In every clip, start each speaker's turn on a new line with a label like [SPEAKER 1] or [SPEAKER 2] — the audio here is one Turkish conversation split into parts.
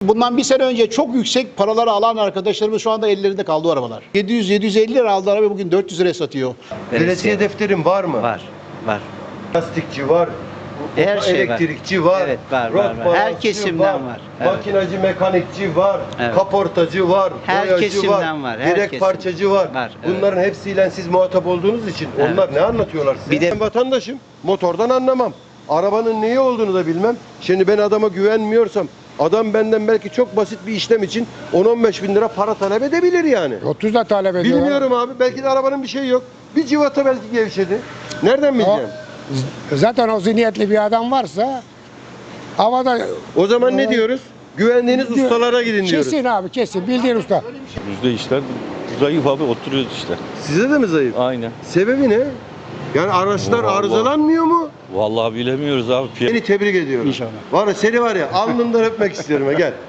[SPEAKER 1] bundan bir sene önce çok yüksek paraları alan arkadaşlarımız şu anda ellerinde kaldı o arabalar. 700-750 lira aldı araba, bugün 400 liraya satıyor.
[SPEAKER 2] Belediye defterin var mı?
[SPEAKER 3] Var. Var.
[SPEAKER 2] Lastikçi var.
[SPEAKER 3] Her şey var.
[SPEAKER 2] Elektrikçi var.
[SPEAKER 3] Evet, var,
[SPEAKER 2] rot
[SPEAKER 3] var, var. Her
[SPEAKER 2] balansçı
[SPEAKER 3] kesimden var. Evet.
[SPEAKER 2] Makinacı, mekanikçi var.
[SPEAKER 3] Evet.
[SPEAKER 2] Kaportacı var.
[SPEAKER 3] Her
[SPEAKER 2] boyacı
[SPEAKER 3] kesimden var, her
[SPEAKER 2] Yedek
[SPEAKER 3] kesim.
[SPEAKER 2] parçacı var.
[SPEAKER 3] Var, evet.
[SPEAKER 2] Bunların hepsiyle siz muhatap olduğunuz için
[SPEAKER 3] Evet.
[SPEAKER 2] onlar ne anlatıyorlar size?
[SPEAKER 3] Bir de-
[SPEAKER 2] Ben vatandaşım. Motordan anlamam. Arabanın neyi olduğunu da bilmem. Şimdi ben adama güvenmiyorsam adam benden belki çok basit bir işlem için 10-15 bin lira para talep edebilir yani.
[SPEAKER 4] 30 da talep ediyorlar.
[SPEAKER 2] Bilmiyorum abi. Belki de arabanın bir şeyi yok. Bir civata belki gevşedi. Nereden bileceğim?
[SPEAKER 4] Zaten o zihniyetli bir adam varsa havada
[SPEAKER 2] O zaman ne diyoruz? Güvendiğiniz ustalara gidin diyoruz.
[SPEAKER 4] kesin abi, kesin bildiğin usta.
[SPEAKER 5] Yüzde işler zayıf abi, oturuyoruz işte.
[SPEAKER 2] Size de mi zayıf?
[SPEAKER 5] Aynen.
[SPEAKER 2] Sebebi ne? Yani araçlar
[SPEAKER 5] Vallahi.
[SPEAKER 2] arızalanmıyor mu?
[SPEAKER 5] Vallahi bilemiyoruz abi.
[SPEAKER 2] Seni tebrik ediyorum.
[SPEAKER 1] İnşallah.
[SPEAKER 2] Var ya, seni var ya alnından öpmek istiyorum ha, gel.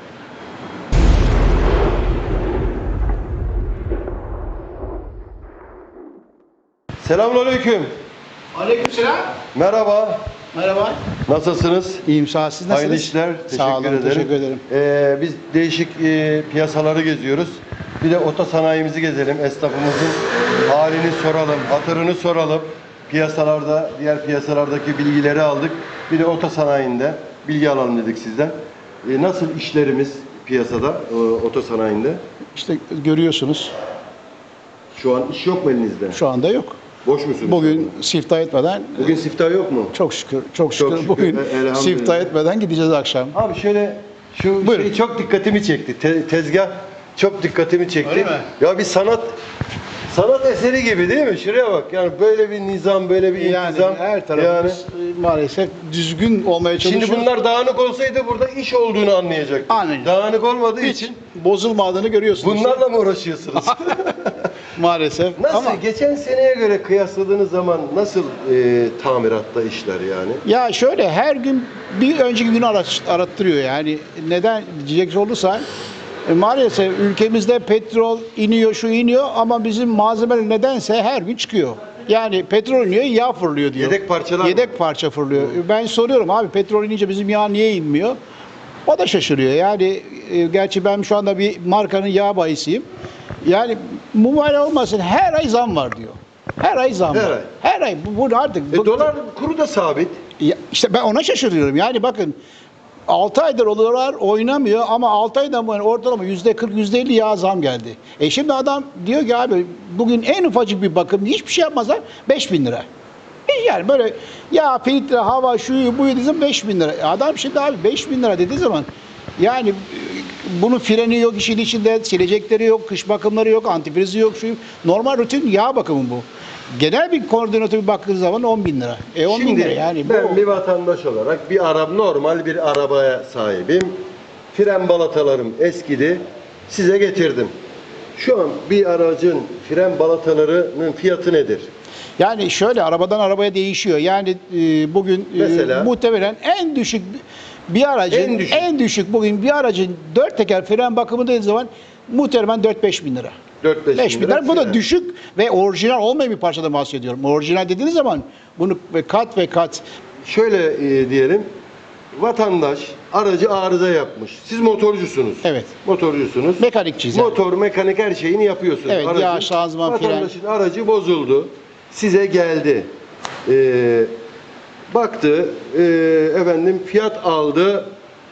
[SPEAKER 2] Selamünaleyküm.
[SPEAKER 1] Aleykümselam.
[SPEAKER 2] Merhaba.
[SPEAKER 1] Merhaba.
[SPEAKER 2] Nasılsınız?
[SPEAKER 1] İyiyim, sağ ol. Siz nasılsınız?
[SPEAKER 2] Hayırlı işler. Teşekkür
[SPEAKER 1] Sağ olun,
[SPEAKER 2] ederim.
[SPEAKER 1] teşekkür ederim.
[SPEAKER 2] Biz değişik piyasaları geziyoruz. Bir de oto sanayimizi gezelim. Esnafımızın halini soralım, hatırını soralım. Piyasalarda, diğer piyasalardaki bilgileri aldık. Bir de oto sanayinde bilgi alalım dedik sizden. Nasıl işlerimiz piyasada, oto sanayinde?
[SPEAKER 1] İşte görüyorsunuz,
[SPEAKER 2] Şu an iş yok mu elinizde?
[SPEAKER 1] şu anda yok.
[SPEAKER 2] Boş musunuz?
[SPEAKER 1] Bugün siftah etmeden,
[SPEAKER 2] Bugün siftah yok mu?
[SPEAKER 1] çok şükür, çok şükür,
[SPEAKER 2] şükür,
[SPEAKER 1] bugün
[SPEAKER 2] elhamdülillah.
[SPEAKER 1] siftah etmeden gideceğiz akşam.
[SPEAKER 2] Abi şöyle, şu
[SPEAKER 1] Buyurun.
[SPEAKER 2] şey çok dikkatimi çekti. Tezgah çok dikkatimi çekti.
[SPEAKER 1] Öyle mi?
[SPEAKER 2] Ya bir sanat eseri gibi değil mi? Şuraya bak. Yani böyle bir nizam, böyle bir
[SPEAKER 1] Yani
[SPEAKER 2] intizam.
[SPEAKER 1] her tarafımız maalesef düzgün olmaya çalışıyor.
[SPEAKER 2] Şimdi bunlar dağınık olsaydı burada iş olduğunu anlayacaktık.
[SPEAKER 1] Aynen.
[SPEAKER 2] Dağınık olmadığı
[SPEAKER 1] hiç
[SPEAKER 2] için
[SPEAKER 1] bozulmadığını görüyorsunuz.
[SPEAKER 2] bunlarla mı uğraşıyorsunuz?
[SPEAKER 1] Maalesef.
[SPEAKER 2] Nasıl?
[SPEAKER 1] Ama
[SPEAKER 2] Geçen seneye göre kıyasladığınız zaman nasıl tamiratta işler yani?
[SPEAKER 1] ya şöyle, her gün bir önceki günü arattırıyor yani. Neden diyecek olursa maalesef ülkemizde petrol iniyor, şu iniyor ama bizim malzemeler nedense her gün çıkıyor. Yani petrol iniyor, yağ fırlıyor diyor.
[SPEAKER 2] Yedek parçalar mı?
[SPEAKER 1] Yedek parça fırlıyor. Ben soruyorum, abi petrol inince bizim yağ niye inmiyor? O da şaşırıyor. Yani gerçi ben şu anda bir markanın yağ bayisiyim. Yani mübarek olmasın, her ay zam var diyor. Her ay zam
[SPEAKER 2] Her
[SPEAKER 1] var.
[SPEAKER 2] ay.
[SPEAKER 1] Her ay. Bu artık.
[SPEAKER 2] Dolar kuru da sabit.
[SPEAKER 1] Ya işte ben ona şaşırıyorum. Yani bakın, 6 aydır dolar oynamıyor ama 6 aydan bu yana ortalama %40, %50 yağ zam geldi. Şimdi adam diyor ki abi bugün en ufacık bir bakım hiçbir şey yapmazlar 5.000 lira. Yani böyle ya filtre, hava, şuyu buyu dediği zaman 5.000 lira. Adam şimdi abi 5.000 lira dediği zaman yani bunun freni yok işin içinde, silecekleri yok, kış bakımları yok, antifrizi yok, şu normal rutin yağ bakımı bu. Genel bir koordinatör baktığınız zaman 10.000 lira. 10.000
[SPEAKER 2] Şimdi
[SPEAKER 1] lira yani bu.
[SPEAKER 2] ben bir vatandaş olarak normal bir arabaya sahibim. Fren balatalarım eskidi. Size getirdim. Şu an bir aracın fren balatalarının fiyatı nedir?
[SPEAKER 1] Yani şöyle, arabadan arabaya değişiyor. Yani bugün
[SPEAKER 2] Mesela?
[SPEAKER 1] muhtemelen en düşük bir aracın
[SPEAKER 2] En düşük.
[SPEAKER 1] bugün bir aracın 4 teker fren bakımı dediği zaman muhtemelen 4-5 bin lira.
[SPEAKER 2] 4-5
[SPEAKER 1] 5 bin lira. Bu da
[SPEAKER 2] fren.
[SPEAKER 1] düşük ve orijinal olmayan bir parçadan bahsediyorum. Orijinal dediğiniz zaman bunu kat ve kat.
[SPEAKER 2] Şöyle diyelim. Vatandaş aracı arıza yapmış. Siz motorcusunuz.
[SPEAKER 1] Evet.
[SPEAKER 2] Motorcusunuz.
[SPEAKER 1] Mekanikçiyiz yani.
[SPEAKER 2] Motor, mekanik her şeyini yapıyorsunuz.
[SPEAKER 1] Evet, yağ, şanzıman, fren.
[SPEAKER 2] Vatandaşın aracı bozuldu. Size geldi. Baktı. Efendim fiyat aldı.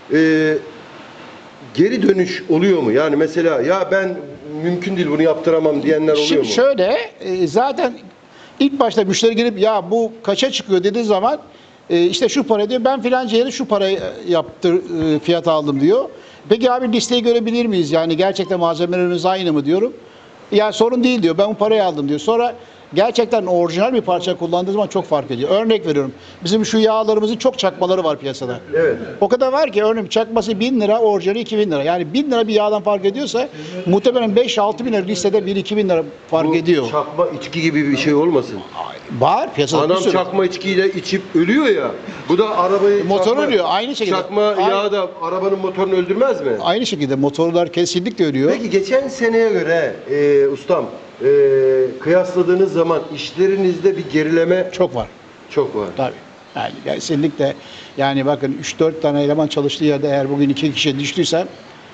[SPEAKER 2] Geri dönüş oluyor mu? Yani mesela ya ben mümkün değil bunu yaptıramam diyenler oluyor
[SPEAKER 1] Şimdi
[SPEAKER 2] mu?
[SPEAKER 1] şöyle, zaten ilk başta müşteri gelip ya bu kaça çıkıyor dediği zaman işte şu para diyor, ben filanca yere şu parayı fiyat aldım diyor. Peki abi listeyi görebilir miyiz? Yani gerçekten malzemelerimiz aynı mı diyorum. Ya sorun değil diyor, ben bu parayı aldım diyor. Sonra gerçekten orijinal bir parça kullandığı zaman çok fark ediyor. Örnek veriyorum, bizim şu yağlarımızın çok çakmaları var piyasada.
[SPEAKER 2] Evet.
[SPEAKER 1] O kadar var ki örneğin çakması 1000 lira, orijinali 2000 lira. Yani 1000 lira bir yağdan fark ediyorsa muhtemelen 5-6 bin lira listede 1-2 bin lira fark
[SPEAKER 2] Bu
[SPEAKER 1] ediyor.
[SPEAKER 2] çakma içki gibi bir şey olmasın.
[SPEAKER 1] Var piyasada bir
[SPEAKER 2] Adam
[SPEAKER 1] sürü.
[SPEAKER 2] çakma içkiyle içip ölüyor ya. Bu da arabayı
[SPEAKER 1] Motor ölüyor, aynı şekilde.
[SPEAKER 2] Çakma yağ da arabanın motorunu öldürmez mi?
[SPEAKER 1] Aynı şekilde motorlar kesinlikle ölüyor.
[SPEAKER 2] Peki geçen seneye göre ustam kıyasladığınız zaman işlerinizde bir gerileme
[SPEAKER 1] Çok var.
[SPEAKER 2] çok var.
[SPEAKER 1] Tabii. Yani kesinlikle, yani bakın 3-4 tane eleman çalıştığı yerde eğer bugün 2 kişiye düştüysem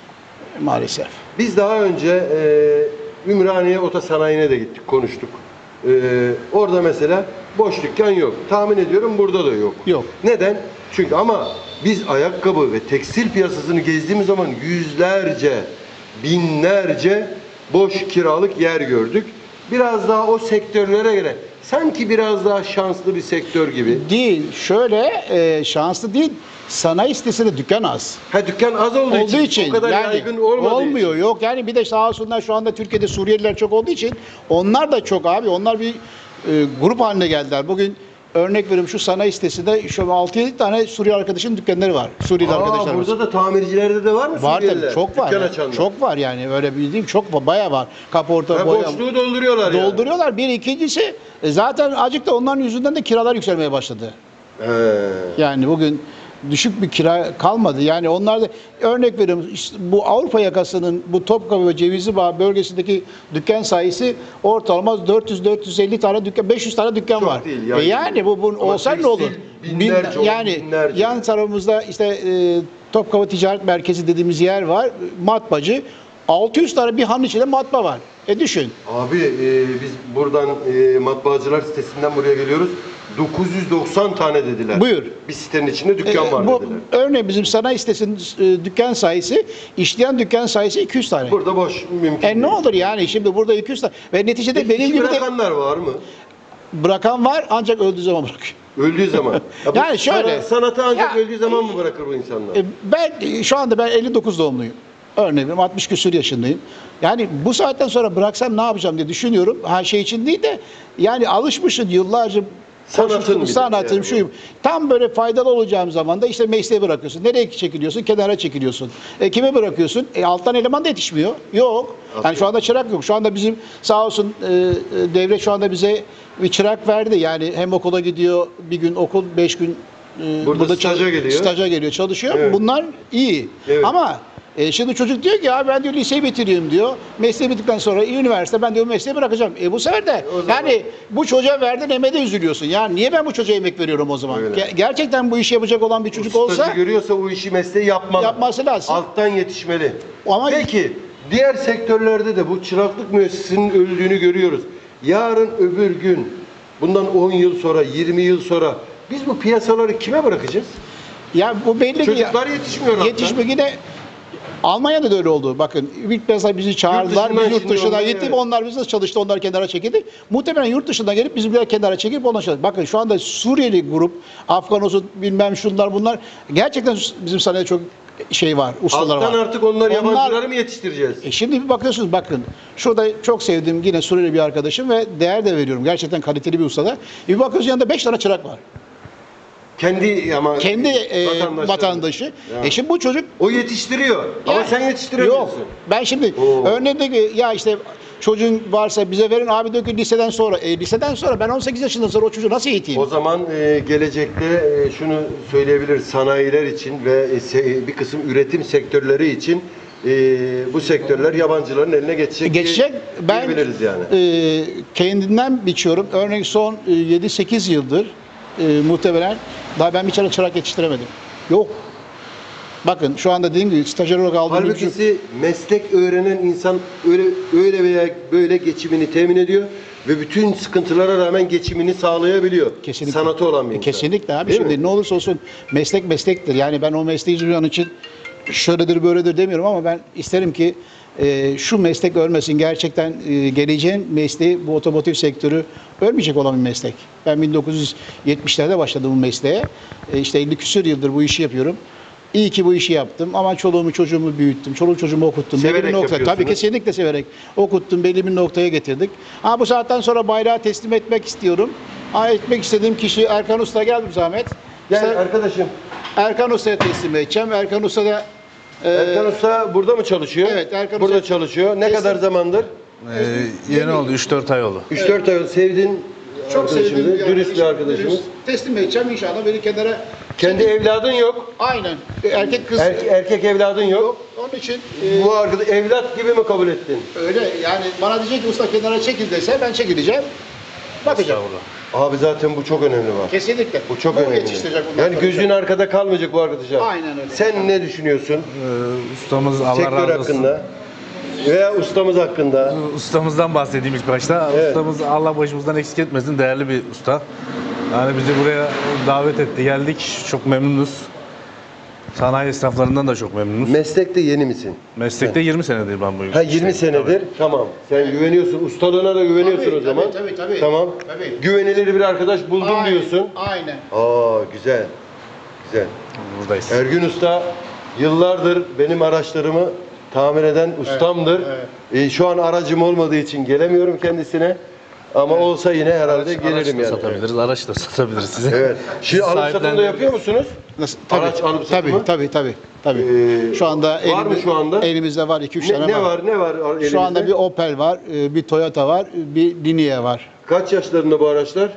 [SPEAKER 1] Maalesef.
[SPEAKER 2] Biz daha önce Ümraniye Otosanayi'ne de gittik, konuştuk. Orada mesela boş dükkan yok. Tahmin ediyorum burada da yok.
[SPEAKER 1] Yok.
[SPEAKER 2] Neden? Çünkü ama biz ayakkabı ve tekstil piyasasını gezdiğimiz zaman yüzlerce, binlerce boş kiralık yer gördük. Biraz daha o sektörlere göre sanki biraz daha şanslı bir sektör gibi.
[SPEAKER 1] Değil. Şöyle şanslı değil. Sanayi sitesinde dükkan az.
[SPEAKER 2] Ha, dükkan az olduğu için, o kadar yaygın olmadığı
[SPEAKER 1] olmuyor.
[SPEAKER 2] için.
[SPEAKER 1] Yok yani bir de sağ olsunlar şu anda Türkiye'de Suriyeliler çok olduğu için onlar da çok abi. Onlar bir grup haline geldiler. Bugün örnek veriyorum şu sanayi sitesinde şu 6-7 tane Suriyeli arkadaşın dükkanları var. Suriyeli arkadaşlar var.
[SPEAKER 2] Burada da tamircilerde de var mı
[SPEAKER 1] Var
[SPEAKER 2] Suriyeliler?
[SPEAKER 1] tabii çok var.
[SPEAKER 2] Dükkan
[SPEAKER 1] Yani.
[SPEAKER 2] açanlar.
[SPEAKER 1] Çok var yani öyle bildiğim çok var. Bayağı var. Kaporta
[SPEAKER 2] Ha,
[SPEAKER 1] boya.
[SPEAKER 2] boşluğu dolduruyorlar yani.
[SPEAKER 1] Dolduruyorlar. Bir ikincisi zaten azıcık da onların yüzünden de kiralar yükselmeye başladı.
[SPEAKER 2] He.
[SPEAKER 1] Yani bugün düşük bir kira kalmadı. Yani onlar da örnek veriyorum işte bu Avrupa yakasının bu Topkapı ve Cevizlibağ bölgesindeki dükkan sayısı ortalama 400-450 tane dükkan, 500 tane dükkan
[SPEAKER 2] Çok
[SPEAKER 1] var.
[SPEAKER 2] değil, yani.
[SPEAKER 1] Yani bu
[SPEAKER 2] Ama
[SPEAKER 1] olsa ne
[SPEAKER 2] tekstil
[SPEAKER 1] olur?
[SPEAKER 2] binlerce,
[SPEAKER 1] Yani
[SPEAKER 2] binlerce.
[SPEAKER 1] yan tarafımızda işte Topkapı Ticaret Merkezi dediğimiz yer var. Matbaacı. 600 tane bir hanın içinde matbaa var. Düşün.
[SPEAKER 2] Abi biz buradan matbaacılar sitesinden buraya geliyoruz. 990 tane dediler.
[SPEAKER 1] Buyur.
[SPEAKER 2] Bir sitenin içinde dükkan var
[SPEAKER 1] Bu
[SPEAKER 2] dediler.
[SPEAKER 1] örneğin bizim sanayi sitesinin dükkan sayısı, işleyen dükkan sayısı 200 tane.
[SPEAKER 2] Burada boş mümkün değil.
[SPEAKER 1] Ne olur yani şimdi burada 200 tane ve neticede
[SPEAKER 2] Peki,
[SPEAKER 1] benim
[SPEAKER 2] işi
[SPEAKER 1] gibi de
[SPEAKER 2] bırakanlar var mı?
[SPEAKER 1] bırakan var ancak öldüğü zaman bırakıyor.
[SPEAKER 2] Öldüğü zaman. Ya bu
[SPEAKER 1] Yani şöyle-
[SPEAKER 2] sanatı ancak
[SPEAKER 1] Ya-
[SPEAKER 2] öldüğü zaman mı bırakır bu insanlar?
[SPEAKER 1] Ben şu anda ben 59 doğumluyum. Örneğin veriyorum, 60 küsur yaşındayım. Yani bu saatten sonra bıraksam ne yapacağım diye düşünüyorum. Her şey için değil de yani alışmışsın yıllarca
[SPEAKER 2] Sanatın bir de
[SPEAKER 1] sanatım
[SPEAKER 2] yani
[SPEAKER 1] şuyum. Tam böyle faydalı olacağım zaman da işte mesleği bırakıyorsun. Nereye çekiliyorsun? Kenara çekiliyorsun. Kime bırakıyorsun? Alttan eleman da yetişmiyor. Yok. Yani şu anda çırak yok. Şu anda bizim sağ olsun devlet şu anda bize bir çırak verdi. Yani hem okula gidiyor bir gün okul 5 gün
[SPEAKER 2] Burada staja geliyor.
[SPEAKER 1] Staja geliyor, çalışıyor.
[SPEAKER 2] Evet.
[SPEAKER 1] Bunlar iyi.
[SPEAKER 2] Evet.
[SPEAKER 1] Ama şimdi çocuk diyor ki abi ben diyor liseyi bitiriyorum diyor. Mesleği bittikten sonra üniversite ben diyor mesleği bırakacağım. Bu sefer de
[SPEAKER 2] O zaman-
[SPEAKER 1] yani bu çocuğa verdiğin emeğe de üzülüyorsun. Ya niye ben bu çocuğa emek veriyorum o zaman?
[SPEAKER 2] Öyle.
[SPEAKER 1] Gerçekten bu işi yapacak olan bir çocuk
[SPEAKER 2] Stajı
[SPEAKER 1] olsa
[SPEAKER 2] görüyorsa o işi mesleği yapmalı.
[SPEAKER 1] yapması lazım.
[SPEAKER 2] Alttan yetişmeli.
[SPEAKER 1] Ama-
[SPEAKER 2] Peki diğer sektörlerde de bu çıraklık müessesesinin öldüğünü görüyoruz. Yarın öbür gün bundan 10 yıl sonra 20 yıl sonra biz bu piyasaları kime bırakacağız?
[SPEAKER 1] Ya bu belli ki
[SPEAKER 2] Çocuklar yetişmiyor hatta.
[SPEAKER 1] yetişme yine Almanya'da da öyle oldu. Bakın ilk mesela bizi çağırdılar.
[SPEAKER 2] Yurt dışından
[SPEAKER 1] Biz yurt
[SPEAKER 2] şimdi
[SPEAKER 1] dışına
[SPEAKER 2] onlar,
[SPEAKER 1] gittik.
[SPEAKER 2] evet.
[SPEAKER 1] Onlar bizi çalıştı. Onlar kenara çekildi. Muhtemelen yurt dışından gelip bizimkiler kenara çekip onlar çalıştı. Bakın şu anda Suriyeli grup, Afgan olsun bilmem şunlar bunlar. Gerçekten bizim sanayide çok şey var. Ustalar
[SPEAKER 2] Alttan
[SPEAKER 1] var.
[SPEAKER 2] artık onlar yabancıları mı yetiştireceğiz?
[SPEAKER 1] Şimdi bir bakıyorsunuz bakın. Şurada çok sevdiğim yine Suriyeli bir arkadaşım ve değer de veriyorum. Gerçekten kaliteli bir ustada. Bir bakıyorsunuz yanında 5 tane çırak var.
[SPEAKER 2] Kendi ama
[SPEAKER 1] Kendi vatandaşı.
[SPEAKER 2] Ya.
[SPEAKER 1] Şimdi bu çocuk
[SPEAKER 2] O yetiştiriyor. Ama
[SPEAKER 1] Ya,
[SPEAKER 2] sen yetiştiremiyorsun.
[SPEAKER 1] Yok. Ben şimdi
[SPEAKER 2] Oo.
[SPEAKER 1] örneğin de ki ya işte çocuğun varsa bize verin abi diyor ki liseden sonra. Liseden sonra ben 18 yaşından sonra o çocuğu nasıl eğiteyim?
[SPEAKER 2] O zaman gelecekte şunu söyleyebiliriz sanayiler için ve bir kısım üretim sektörleri için bu sektörler yabancıların eline geçecek.
[SPEAKER 1] Geçecek. Ben
[SPEAKER 2] diyebiliriz yani.
[SPEAKER 1] kendimden biçiyorum. Örneğin son 7-8 yıldır muhtemelen daha ben bir tane çırak yetiştiremedim. Yok. Bakın şu anda dediğim gibi stajyer olarak aldığım bir çocuk-
[SPEAKER 2] Halbuki meslek öğrenen insan öyle veya böyle geçimini temin ediyor ve bütün sıkıntılara rağmen geçimini sağlayabiliyor.
[SPEAKER 1] Kesinlikle.
[SPEAKER 2] Sanatı olan bir insan.
[SPEAKER 1] Kesinlikle abi.
[SPEAKER 2] Değil
[SPEAKER 1] Şimdi
[SPEAKER 2] mi?
[SPEAKER 1] ne olursa olsun meslek meslektir. Yani ben o mesleği icra için şöyledir böyledir demiyorum ama ben isterim ki şu meslek ölmesin. Gerçekten geleceğin mesleği bu otomotiv sektörü ölmeyecek olan bir meslek. Ben 1970'lerde başladım bu mesleğe. İşte 50 küsur yıldır bu işi yapıyorum. İyi ki bu işi yaptım ama çoluğumu çocuğumu büyüttüm. Çoluğu çocuğumu okuttum.
[SPEAKER 2] Severek
[SPEAKER 1] Belli bir nokta.
[SPEAKER 2] yapıyorsunuz.
[SPEAKER 1] Tabii kesinlikle severek okuttum. Belli bir noktaya getirdik. Bu saatten sonra bayrağı teslim etmek istiyorum. Etmek istediğim kişi Erkan Usta geldi zahmet.
[SPEAKER 2] Yani
[SPEAKER 1] Sen-
[SPEAKER 2] arkadaşım
[SPEAKER 1] Erkan Usta'ya teslim edeceğim. Erkan Usta da
[SPEAKER 2] Erkan Usta burada mı çalışıyor?
[SPEAKER 1] Evet, Erkan
[SPEAKER 2] burada
[SPEAKER 1] Usta-
[SPEAKER 2] çalışıyor. Ne
[SPEAKER 1] Teslim-
[SPEAKER 2] kadar zamandır?
[SPEAKER 6] Yeni oldu, 3-4 ay oldu.
[SPEAKER 2] 3-4 ay oldu. Sevdiğin
[SPEAKER 1] çok
[SPEAKER 2] arkadaşımız,
[SPEAKER 1] sevdiğim
[SPEAKER 2] dürüst bir arkadaşımız.
[SPEAKER 1] Dürüst. Teslim edeceğim inşallah beni kenara.
[SPEAKER 2] Kendi evladın yok.
[SPEAKER 1] Aynen. Erkek kız.
[SPEAKER 2] Erkek evladın yok.
[SPEAKER 1] Onun için
[SPEAKER 2] Bu arkadaş evlat gibi mi kabul ettin?
[SPEAKER 1] öyle yani bana diyecek ki usta kenara çekil dese ben çekileceğim. Bakacağım.
[SPEAKER 2] Abi zaten bu çok önemli bak.
[SPEAKER 1] Kesinlikle.
[SPEAKER 2] Bu çok önemli.
[SPEAKER 1] Yetiştirecek bundan
[SPEAKER 2] Yani
[SPEAKER 1] sonra.
[SPEAKER 2] gözün arkada kalmayacak bu arkadaşlar.
[SPEAKER 1] Aynen öyle.
[SPEAKER 2] Sen ne düşünüyorsun?
[SPEAKER 6] Ustamız Allah
[SPEAKER 2] Sektör
[SPEAKER 6] razı olsun.
[SPEAKER 2] hakkında veya ustamız hakkında?
[SPEAKER 6] Ustamızdan bahsedeyim ilk başta.
[SPEAKER 2] Evet.
[SPEAKER 6] Ustamız Allah başımızdan eksik etmesin, değerli bir usta. Yani bizi buraya davet etti, geldik. Çok memnunuz. Sanayi esnaflarından da çok memnunuz.
[SPEAKER 2] Meslekte yeni misin?
[SPEAKER 6] Meslekte 20 senedir ben bu
[SPEAKER 2] Ha
[SPEAKER 6] işte.
[SPEAKER 2] 20 senedir. Tamam. Sen güveniyorsun. Ustalığına da güveniyorsun
[SPEAKER 1] Tabii,
[SPEAKER 2] o zaman.
[SPEAKER 1] tabii.
[SPEAKER 2] Tamam.
[SPEAKER 1] Tabii.
[SPEAKER 2] Güvenilir bir arkadaş buldum
[SPEAKER 1] Aynen,
[SPEAKER 2] diyorsun.
[SPEAKER 1] Aynen.
[SPEAKER 2] Aa güzel. Güzel.
[SPEAKER 6] Buradayız.
[SPEAKER 2] Ergün Usta yıllardır benim araçlarımı tamir eden ustamdır. Şu an aracım olmadığı için gelemiyorum kendisine. Ama olsa yine herhalde
[SPEAKER 6] Araç
[SPEAKER 2] gelirim
[SPEAKER 6] da
[SPEAKER 2] yani.
[SPEAKER 6] satabiliriz, araç da satabiliriz size.
[SPEAKER 2] Evet. Şimdi alıp satım da
[SPEAKER 6] Sahiplendiririz.
[SPEAKER 2] yapıyor musunuz?
[SPEAKER 1] Nasıl?
[SPEAKER 2] Araç alıp satımı?
[SPEAKER 1] Tabii. Şu anda
[SPEAKER 2] var mı şu anda?
[SPEAKER 1] elimizde var 2-3 tane
[SPEAKER 2] Ne
[SPEAKER 1] var.
[SPEAKER 2] var? Ne var elinizde?
[SPEAKER 1] Şu anda bir Opel var, bir Toyota var, bir Linea var.
[SPEAKER 2] Kaç yaşlarında bu araçlar?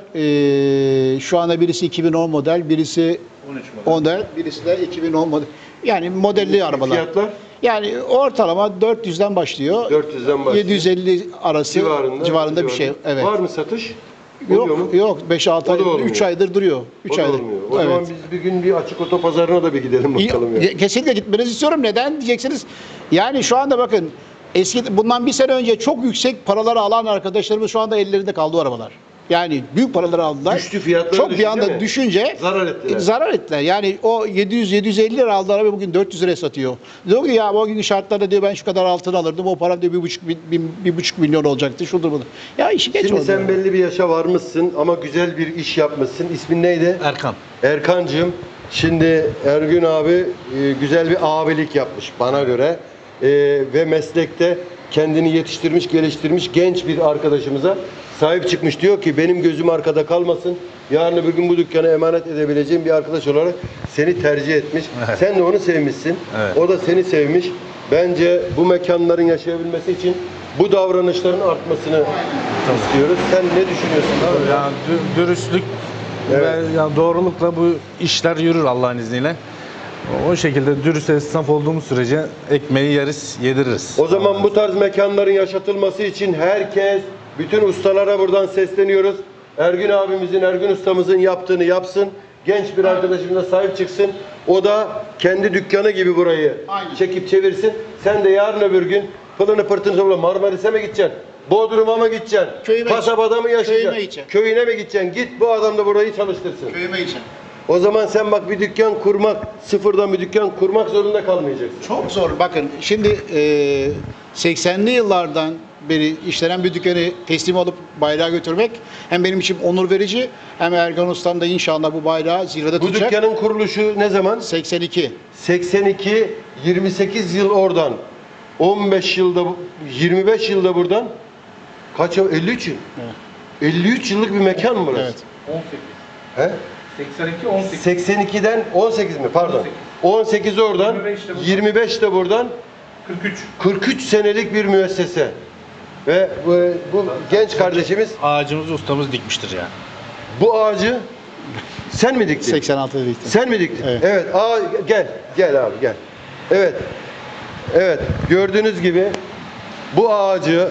[SPEAKER 1] Şu anda birisi 2010 model, birisi 14, birisi de 2010 model. Yani modelli arabalar.
[SPEAKER 2] Fiyatlar?
[SPEAKER 1] Yani ortalama 400'den başlıyor.
[SPEAKER 2] 400'den başlıyor.
[SPEAKER 1] 750 arası civarında bir şey. Evet.
[SPEAKER 2] Var mı satış? Oluyor mu?
[SPEAKER 1] Yok 5-6
[SPEAKER 2] O da
[SPEAKER 1] ay,
[SPEAKER 2] olmuyor.
[SPEAKER 1] 3 aydır duruyor. 3
[SPEAKER 2] O da
[SPEAKER 1] aydır.
[SPEAKER 2] olmuyor. O zaman biz bir gün bir açık otopazarına da bir gidelim bakalım ya.
[SPEAKER 1] Kesinlikle gitmenizi istiyorum. Neden diyeceksiniz? Yani şu anda bakın bundan bir sene önce çok yüksek paraları alan arkadaşlarımız şu anda ellerinde kaldı o arabalar. Yani büyük paraları aldılar.
[SPEAKER 2] Düştü, fiyatları
[SPEAKER 1] çok
[SPEAKER 2] düştü
[SPEAKER 1] bir anda
[SPEAKER 2] değil mi?
[SPEAKER 1] düşünce
[SPEAKER 2] Zarar ettiler.
[SPEAKER 1] Yani o 700-750 lira aldığı araba bugün 400 liraya satıyor. Diyor ki ya o gün şartlarda diyor ben şu kadar altın alırdım. O param diyor 1,5 milyon olacaktı. Şudur budur. Ya işi geç
[SPEAKER 2] Şimdi
[SPEAKER 1] oldu.
[SPEAKER 2] sen belli bir yaşa varmışsın ama güzel bir iş yapmışsın. İsmin neydi?
[SPEAKER 6] Erkan.
[SPEAKER 2] Erkancığım. Şimdi Ergün abi güzel bir abilik yapmış bana göre. Ve meslekte kendini yetiştirmiş, geliştirmiş genç bir arkadaşımıza sahip çıkmış. Diyor ki benim gözüm arkada kalmasın. Yarın öbür gün bu dükkanı emanet edebileceğim bir arkadaş olarak seni tercih etmiş.
[SPEAKER 6] Evet.
[SPEAKER 2] Sen de onu sevmişsin.
[SPEAKER 6] Evet.
[SPEAKER 2] O da seni sevmiş. Bence bu mekanların yaşayabilmesi için bu davranışların artmasını istiyoruz. Sen ne düşünüyorsun abi?
[SPEAKER 6] Yani dürüstlük
[SPEAKER 2] Evet.
[SPEAKER 6] ve yani doğrulukla bu işler yürür Allah'ın izniyle. O şekilde dürüst esnaf olduğumuz sürece ekmeği yeriz, yediririz.
[SPEAKER 2] O zaman bu tarz mekanların yaşatılması için herkes, bütün ustalara buradan sesleniyoruz. Ergün abimizin, Ergün ustamızın yaptığını yapsın. Genç bir arkadaşımıza sahip çıksın. O da kendi dükkanı gibi burayı
[SPEAKER 1] Aynen.
[SPEAKER 2] çekip çevirsin. Sen de yarın öbür gün pılını pırtını topla Marmaris'e mi gideceksin? Bodrum'a mı gideceksin?
[SPEAKER 1] Köyüme
[SPEAKER 2] Kasabada mı yaşayacaksın?
[SPEAKER 1] Köyüme gideceğim.
[SPEAKER 2] Köyüne mi gideceksin? Git bu adam da burayı çalıştırsın.
[SPEAKER 1] Köyüme için.
[SPEAKER 2] O zaman sen bak bir dükkan kurmak, sıfırdan bir dükkan kurmak zorunda kalmayacaksın.
[SPEAKER 1] Çok zor. Bakın şimdi 80'li yıllardan beri işlenen bir dükkanı teslim alıp bayrağı götürmek hem benim için onur verici hem Ergan Ustam da inşallah bu bayrağı zirvede
[SPEAKER 2] Bu
[SPEAKER 1] tutacak.
[SPEAKER 2] dükkanın kuruluşu ne zaman?
[SPEAKER 1] 82.
[SPEAKER 2] 82, 28 yıl oradan, 15 yılda, 25 yılda buradan, kaç yıl? 53 yıl.
[SPEAKER 1] Evet.
[SPEAKER 2] 53 yıllık bir mekan mı burası?
[SPEAKER 1] Evet.
[SPEAKER 2] He? 82'den 18 mi? Pardon. 18 oradan, 25 de buradan, 43 senelik bir müessese. Ve bu genç kardeşimiz
[SPEAKER 6] Ağacımızı ustamız dikmiştir yani.
[SPEAKER 2] bu ağacı sen mi diktin?
[SPEAKER 1] 86'da bitti.
[SPEAKER 2] Sen mi diktin?
[SPEAKER 1] Evet.
[SPEAKER 2] Evet. Gel abi gel. Evet. Evet. Gördüğünüz gibi bu ağacı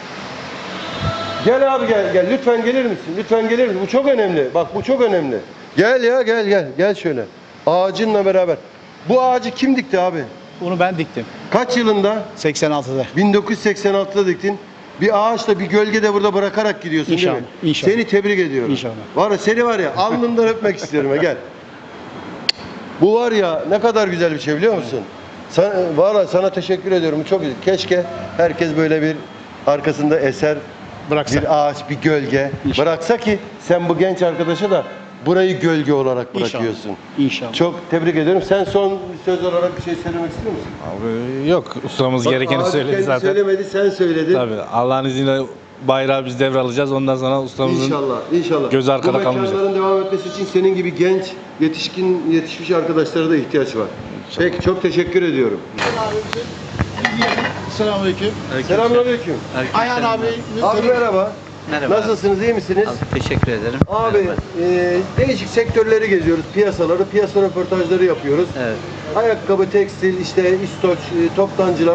[SPEAKER 2] gel abi gel. Lütfen gelir misin? Lütfen gelir misin? Bu çok önemli. Bak bu çok önemli. Gel ya gel. Gel şöyle. Ağacınla beraber. Bu ağacı kim dikti abi?
[SPEAKER 1] Bunu ben diktim.
[SPEAKER 2] Kaç yılında?
[SPEAKER 1] 86'da.
[SPEAKER 2] 1986'da diktin. Bir ağaçla bir gölgede burada bırakarak gidiyorsun
[SPEAKER 1] İnşallah,
[SPEAKER 2] değil mi?
[SPEAKER 1] inşallah.
[SPEAKER 2] Seni tebrik ediyorum.
[SPEAKER 1] İnşallah.
[SPEAKER 2] Var ya seni var ya alnından öpmek istiyorum ha gel. Bu var ya ne kadar güzel bir şey biliyor musun? Sana teşekkür ediyorum. Çok güzel. Keşke herkes böyle bir arkasında eser,
[SPEAKER 1] Bıraksa.
[SPEAKER 2] bir ağaç, bir gölge
[SPEAKER 1] İnşallah.
[SPEAKER 2] bıraksa ki sen bu genç arkadaşa da burayı gölge olarak bırakıyorsun.
[SPEAKER 1] İnşallah.
[SPEAKER 2] Çok tebrik ediyorum. Sen son söz olarak bir şey söylemek istiyor musun?
[SPEAKER 6] Abi yok, ustamız
[SPEAKER 2] Bak,
[SPEAKER 6] gerekeni
[SPEAKER 2] abi
[SPEAKER 6] söyledi
[SPEAKER 2] kendi
[SPEAKER 6] zaten.
[SPEAKER 2] söylemedi, sen söyledin.
[SPEAKER 6] Tabii Allah'ın izniyle bayrağı biz devralacağız. Ondan sonra ustamızın
[SPEAKER 2] İnşallah.
[SPEAKER 6] gözü arkada
[SPEAKER 2] Bu
[SPEAKER 6] kalmayacak.
[SPEAKER 2] mekanların devam etmesi için senin gibi genç, yetişmiş arkadaşlara da ihtiyaç var. Peki, çok teşekkür ediyorum.
[SPEAKER 1] Selamünaleyküm.
[SPEAKER 2] Selamünaleyküm.
[SPEAKER 1] Ayhan abi.
[SPEAKER 2] Abi merhaba.
[SPEAKER 3] Merhaba.
[SPEAKER 2] Nasılsınız, iyi misiniz?
[SPEAKER 3] Abi, teşekkür ederim.
[SPEAKER 2] Abi,
[SPEAKER 3] Merhaba.
[SPEAKER 2] değişik sektörleri geziyoruz, piyasa röportajları yapıyoruz.
[SPEAKER 3] Evet.
[SPEAKER 2] Ayakkabı, tekstil, işte İstoç, toptancılar.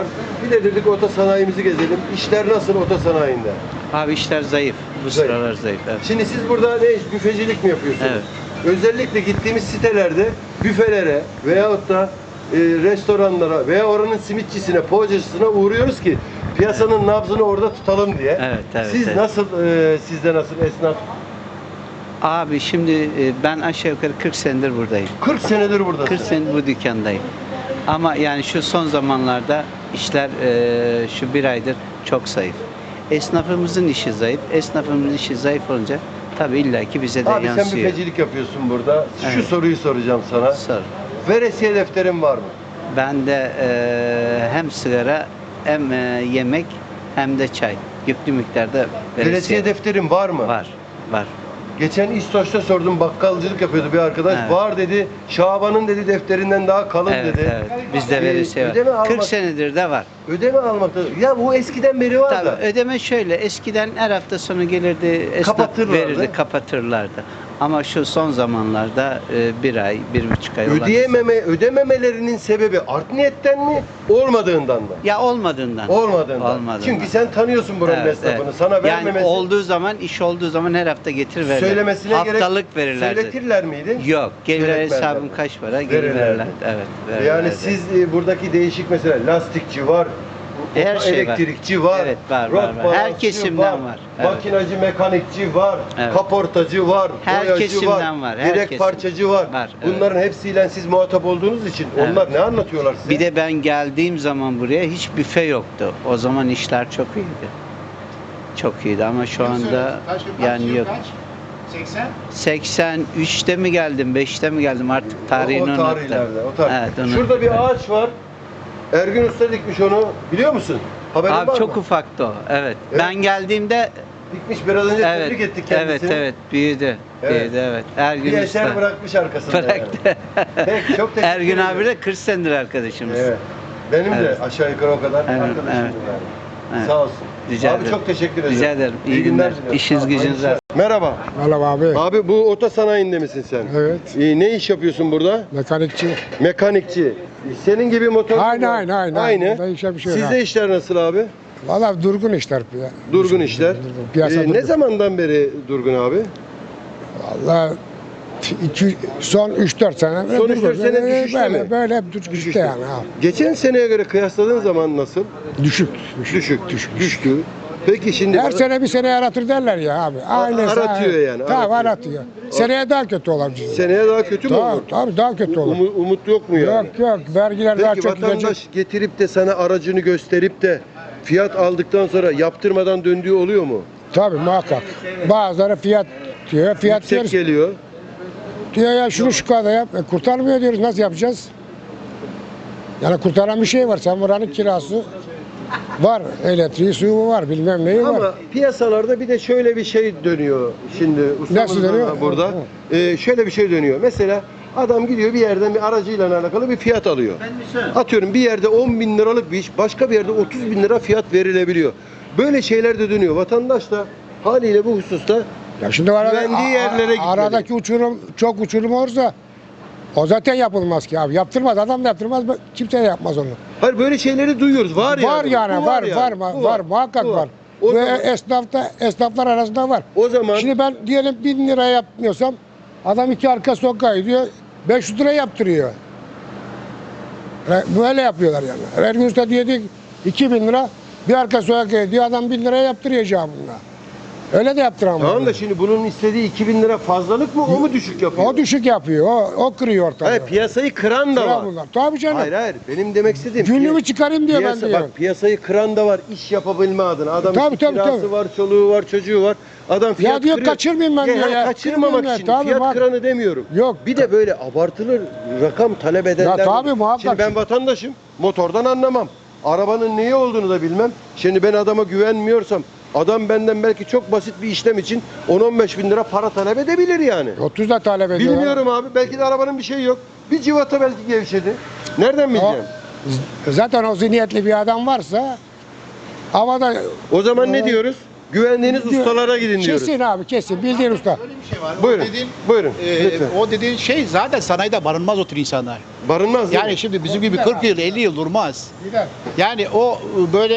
[SPEAKER 2] Bir de dedik oto sanayimizi gezelim. İşler nasıl oto sanayinde?
[SPEAKER 3] Abi işler zayıf. Bu
[SPEAKER 2] Zayıf.
[SPEAKER 3] sıralar zayıf. Evet.
[SPEAKER 2] Şimdi siz burada büfecilik mi yapıyorsunuz?
[SPEAKER 3] Evet.
[SPEAKER 2] Özellikle gittiğimiz sitelerde büfelere veyahut da restoranlara veya oranın simitçisine, poğaçacısına uğruyoruz ki piyasanın nabzını orada tutalım diye.
[SPEAKER 3] Evet,
[SPEAKER 2] Siz
[SPEAKER 3] evet.
[SPEAKER 2] nasıl, sizde nasıl esnaf?
[SPEAKER 3] Abi şimdi ben aşağı yukarı 40 senedir buradayım.
[SPEAKER 2] 40 senedir buradasın.
[SPEAKER 3] 40 senedir bu dükkandayım. Ama yani şu son zamanlarda işler şu bir aydır çok zayıf. Esnafımızın işi zayıf. Esnafımızın işi zayıf olunca tabii illaki bize de
[SPEAKER 2] Abi sen
[SPEAKER 3] yansıyor.
[SPEAKER 2] büfecilik yapıyorsun burada. Şu
[SPEAKER 3] Evet.
[SPEAKER 2] soruyu soracağım sana.
[SPEAKER 3] Sor.
[SPEAKER 2] Veresiye defterin var mı?
[SPEAKER 3] Ben de hem sigara hem yemek hem de çay. Yüklü miktarda
[SPEAKER 2] Veresiye defterin var mı?
[SPEAKER 3] var. Var.
[SPEAKER 2] Geçen İstoç'ta sordum, bakkalcılık yapıyordu bir arkadaş.
[SPEAKER 3] Evet.
[SPEAKER 2] Var dedi. Şaban'ın dedi defterinden daha kalın
[SPEAKER 3] Evet,
[SPEAKER 2] dedi.
[SPEAKER 3] evet. Bizde veresiye
[SPEAKER 2] ödeme
[SPEAKER 3] var. 40
[SPEAKER 2] almak-
[SPEAKER 3] senedir de var.
[SPEAKER 2] Ödeme almakta. Ya bu eskiden beri var
[SPEAKER 3] Tabii
[SPEAKER 2] da.
[SPEAKER 3] ödeme şöyle. Eskiden her hafta sonu gelirdi, esnaf
[SPEAKER 2] Kapatırlardı.
[SPEAKER 3] verirdi, kapatırlardı. Ama şu son zamanlarda bir ay, 1,5 ay olan-
[SPEAKER 2] Ödememelerinin sebebi art niyetten mi, olmadığından mı?
[SPEAKER 3] Ya olmadığından.
[SPEAKER 2] Olmadığından.
[SPEAKER 3] Olmadığından.
[SPEAKER 2] Çünkü sen tanıyorsun buranın
[SPEAKER 3] Evet,
[SPEAKER 2] esnafını.
[SPEAKER 3] evet.
[SPEAKER 2] Sana
[SPEAKER 3] yani
[SPEAKER 2] vermemesi,
[SPEAKER 3] olduğu zaman, iş olduğu zaman her hafta getir verirler.
[SPEAKER 2] söylemesine
[SPEAKER 3] Haftalık verirlerdi.
[SPEAKER 2] Söyletirler miydi?
[SPEAKER 3] Yok. Gelir
[SPEAKER 2] Söyletmezler.
[SPEAKER 3] hesabım kaç para gelir
[SPEAKER 2] Verirlerdi.
[SPEAKER 3] verirler. Evet.
[SPEAKER 2] Yani
[SPEAKER 3] verirlerdi.
[SPEAKER 2] siz buradaki değişik mesela lastikçi var,
[SPEAKER 3] Her şey var.
[SPEAKER 2] elektrikçi var,
[SPEAKER 3] Evet, var,
[SPEAKER 2] rot
[SPEAKER 3] var, var. Her
[SPEAKER 2] balansçı
[SPEAKER 3] kesimden var. Evet.
[SPEAKER 2] Makinacı, mekanikçi var,
[SPEAKER 3] Evet.
[SPEAKER 2] kaportacı var,
[SPEAKER 3] Her
[SPEAKER 2] boyacı
[SPEAKER 3] kesimden var, her
[SPEAKER 2] direkt
[SPEAKER 3] kesim.
[SPEAKER 2] parçacı var.
[SPEAKER 3] Var, evet.
[SPEAKER 2] Bunların hepsiyle siz muhatap olduğunuz için
[SPEAKER 3] Evet.
[SPEAKER 2] onlar ne anlatıyorlar size?
[SPEAKER 3] Bir de ben geldiğim zaman buraya hiç büfe yoktu. O zaman işler çok iyiydi. Çok iyiydi ama şu anda yani yok. 83'te mi geldim, 5'te mi geldim artık tarihini
[SPEAKER 2] o
[SPEAKER 3] unuttum.
[SPEAKER 2] tarihlerde, o tarih.
[SPEAKER 3] Evet, unuttum.
[SPEAKER 2] Şurada bir ağaç var. Ergün Usta dikmiş onu. Biliyor musun? Haberin var
[SPEAKER 3] Abi çok
[SPEAKER 2] mı?
[SPEAKER 3] ufaktı o. Evet.
[SPEAKER 2] Evet.
[SPEAKER 3] Ben geldiğimde
[SPEAKER 2] Dikmiş, biraz önce
[SPEAKER 3] evet.
[SPEAKER 2] tebrik ettik
[SPEAKER 3] Evet,
[SPEAKER 2] kendisini.
[SPEAKER 3] evet, büyüdü.
[SPEAKER 2] Evet.
[SPEAKER 3] Büyüdü, evet. Ergün
[SPEAKER 2] Bir eser
[SPEAKER 3] Usta.
[SPEAKER 2] bırakmış arkasında.
[SPEAKER 3] Bıraktı.
[SPEAKER 2] Yani. Peki, çok teşekkür
[SPEAKER 3] Ergün
[SPEAKER 2] ederim.
[SPEAKER 3] abi de 40 senedir arkadaşımız.
[SPEAKER 2] Evet. Benim
[SPEAKER 3] Evet.
[SPEAKER 2] de aşağı yukarı o kadar
[SPEAKER 3] Evet,
[SPEAKER 2] arkadaşımdır
[SPEAKER 3] evet.
[SPEAKER 2] yani.
[SPEAKER 3] Evet.
[SPEAKER 2] Sağ olsun.
[SPEAKER 3] Rica
[SPEAKER 2] abi
[SPEAKER 3] ederim.
[SPEAKER 2] çok teşekkür ederim.
[SPEAKER 3] Rica ederim. İyi günler.
[SPEAKER 2] diliyorum.
[SPEAKER 3] İşiniz gücünüz
[SPEAKER 2] Hayırlısı.
[SPEAKER 3] rast.
[SPEAKER 2] Merhaba.
[SPEAKER 4] Merhaba abi.
[SPEAKER 2] Abi bu oto sanayinde misin sen?
[SPEAKER 4] Evet.
[SPEAKER 2] Ne iş yapıyorsun burada?
[SPEAKER 4] Mekanikçi.
[SPEAKER 2] Mekanikçi. Senin gibi motor.
[SPEAKER 4] Aynı.
[SPEAKER 2] Aynı.
[SPEAKER 4] Burada işe bir şey yok
[SPEAKER 2] Sizde
[SPEAKER 4] ha.
[SPEAKER 2] işler nasıl abi?
[SPEAKER 4] Valla durgun işler.
[SPEAKER 2] Durgun işler.
[SPEAKER 4] Durgun. Piyasa durgun.
[SPEAKER 2] Ne zamandan beri durgun abi?
[SPEAKER 4] Valla son 3-4 sene.
[SPEAKER 2] Son
[SPEAKER 4] durgun.
[SPEAKER 2] 3-4 sene düşüşte mi?
[SPEAKER 4] Böyle hep düşüşte
[SPEAKER 2] Düşüşte.
[SPEAKER 4] yani. Ha.
[SPEAKER 2] Geçen seneye göre kıyasladığın zaman nasıl?
[SPEAKER 4] Düşük.
[SPEAKER 2] Düştü. Peki şimdi
[SPEAKER 4] Her sene bir sene yaratır derler ya abi. Aynısı.
[SPEAKER 2] aratıyor yani,
[SPEAKER 4] Tamam
[SPEAKER 2] aratıyor.
[SPEAKER 4] aratıyor. Seneye daha kötü olabilir.
[SPEAKER 2] seneye daha kötü mü olur?
[SPEAKER 4] Tabii daha kötü olur.
[SPEAKER 2] Umut yok mu yani?
[SPEAKER 4] Yok. Vergiler daha
[SPEAKER 2] Peki
[SPEAKER 4] çok
[SPEAKER 2] vatandaş
[SPEAKER 4] gidecek.
[SPEAKER 2] getirip de sana aracını gösterip de fiyat aldıktan sonra yaptırmadan döndüğü oluyor mu?
[SPEAKER 4] Tabii muhakkak. Bazıları fiyat diyor. Fiyat
[SPEAKER 2] Yüksek
[SPEAKER 4] diyoruz.
[SPEAKER 2] geliyor.
[SPEAKER 4] Diyor ya şunu şu kadar yap. Kurtarmıyor diyoruz. Nasıl yapacağız? Yani kurtaran bir şey var. Sen buranın kirası var. Elektriği, suyu var. Bilmem neyi var.
[SPEAKER 2] Ama piyasalarda bir de şöyle bir şey dönüyor. Şimdi
[SPEAKER 4] Nasıl
[SPEAKER 2] ustamız da
[SPEAKER 4] dönüyor?
[SPEAKER 2] burada. Şöyle bir şey dönüyor. Mesela adam gidiyor bir yerden bir aracıyla alakalı bir fiyat alıyor. Atıyorum bir yerde 10 bin liralık bir iş, başka bir yerde 30 bin lira fiyat verilebiliyor. Böyle şeyler de dönüyor. Vatandaş da haliyle bu hususta
[SPEAKER 4] Ya şimdi
[SPEAKER 2] güvendiği yerlere gitmeli.
[SPEAKER 4] aradaki uçurum çok uçurum olursa o zaten yapılmaz ki abi. Yaptırmaz. Adam da yaptırmaz. Kimse de yapmaz onu.
[SPEAKER 2] hayır böyle şeyleri duyuyoruz. Var yani. Bu
[SPEAKER 4] Var
[SPEAKER 2] Bu
[SPEAKER 4] muhakkak
[SPEAKER 2] Bu
[SPEAKER 4] var.
[SPEAKER 2] O
[SPEAKER 4] Ve
[SPEAKER 2] zaman,
[SPEAKER 4] esnaflar arasında var.
[SPEAKER 2] o zaman
[SPEAKER 4] Şimdi ben diyelim 1000 lira yapmıyorsam adam iki arka sokağa gidiyor 500 lira yaptırıyor. Böyle yapıyorlar yani. Her gün usta diyor ki 2000 lira bir arka sokağa gidiyor adam 1000 lira yaptırıyor bununla. Öyle de yaptıramıyor.
[SPEAKER 2] tamam da şimdi bunun istediği 2000 lira fazlalık mı o mu düşük yapıyor?
[SPEAKER 4] O düşük yapıyor. O kırıyor ortalığı.
[SPEAKER 2] Hayır piyasayı kıran da
[SPEAKER 4] Kırar
[SPEAKER 2] var.
[SPEAKER 4] bunlar. Tabii canım.
[SPEAKER 2] Hayır benim demek istediğim
[SPEAKER 4] Günlüğümü çıkarayım diyor ben diyor.
[SPEAKER 2] Bak piyasayı kıran da var iş yapabilme adına. Adam
[SPEAKER 4] Tabii,
[SPEAKER 2] işte
[SPEAKER 4] tabii,
[SPEAKER 2] kirası
[SPEAKER 4] tabii.
[SPEAKER 2] var, çoluğu var, çocuğu var. Adam fiyat
[SPEAKER 4] Ya diyor
[SPEAKER 2] kırıyor.
[SPEAKER 4] kaçırmayayım ben diyor ya.
[SPEAKER 2] Kaçırmamak
[SPEAKER 4] Kırmayayım
[SPEAKER 2] için
[SPEAKER 4] ya, tabii
[SPEAKER 2] fiyat
[SPEAKER 4] bak.
[SPEAKER 2] kıranı demiyorum.
[SPEAKER 4] Yok.
[SPEAKER 2] Bir de böyle abartılı rakam talep edenler.
[SPEAKER 4] Ya tabii,
[SPEAKER 2] var.
[SPEAKER 4] muhakkak.
[SPEAKER 2] Şimdi ben vatandaşım. Motordan anlamam. Arabanın neyi olduğunu da bilmem. Şimdi ben adama güvenmiyorsam adam benden belki çok basit bir işlem için 10-15 bin lira para talep edebilir yani.
[SPEAKER 4] 30 da talep ediyorlar.
[SPEAKER 2] Bilmiyorum abi. Belki de arabanın bir şeyi yok. Bir civata belki gevşedi. Nereden bileceğim?
[SPEAKER 4] Zaten o zihniyetli bir adam varsa havada
[SPEAKER 2] O zaman ne diyoruz? Güvendiğiniz ustalara gidin diyoruz.
[SPEAKER 4] Kesin abi kesin bildiğin usta.
[SPEAKER 1] Öyle bir şey var.
[SPEAKER 2] Buyurun.
[SPEAKER 1] O dediğin,
[SPEAKER 2] Buyurun. Lütfen.
[SPEAKER 1] o dediğin şey zaten sanayide barınmaz o tür insanlar.
[SPEAKER 2] Barınmaz değil
[SPEAKER 1] Yani
[SPEAKER 2] mi?
[SPEAKER 1] şimdi bizim gibi 40 yıl 50 yıl durmaz.
[SPEAKER 4] Gider.
[SPEAKER 1] Yani o böyle